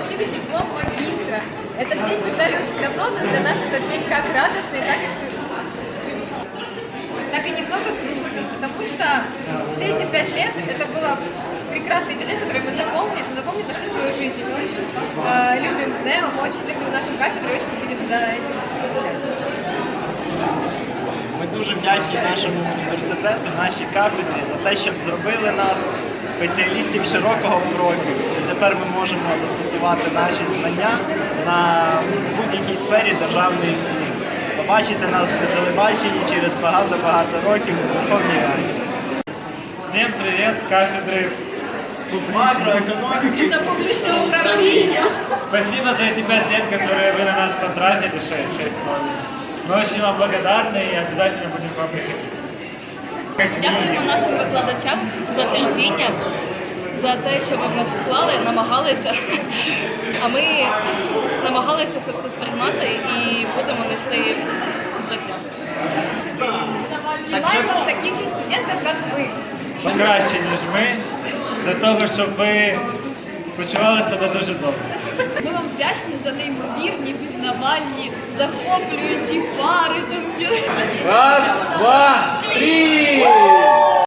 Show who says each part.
Speaker 1: получили диплом магистра. Этот день мы ждали очень давно, но для нас этот день как радостный, так и немного грустный, потому что все эти 5 лет это было прекрасные 5 лет, которые мы запомним на всю свою жизнь. И мы очень любим КНЕО, мы очень любим нашу кафедру, очень будем за этим скучать.
Speaker 2: Ми дуже вдячні нашому університету, нашій кафедрі за те, що зробили нас спеціалістів широкого профілю. І тепер ми можемо застосувати наші знання на будь-якій сфері державної служби. Побачити нас на телебаченні через багато-багато років у Верховній Раді.
Speaker 3: Всем привет с кафедры
Speaker 2: Макроекономіки
Speaker 1: Это публичное управление.
Speaker 3: Спасибо за эти 5 лет, которые вы на нас потратили, 6 года. Мы очень вам благодарны и обязательно будем к вам приходить.
Speaker 4: Дякуємо нашим викладачам за терпіння, за те, що ви в нас вклали, намагалися. А ми намагалися це все сприймати і будемо нести в життя.
Speaker 1: Желаем вам таких же студентов, как вы.
Speaker 3: Покраще, ніж ми, для того, щоб ви почували себе дуже добре.
Speaker 4: Ми вам вдячні за неймовірні, пізнавальні, захоплюючі фари.
Speaker 5: Раз, два, три!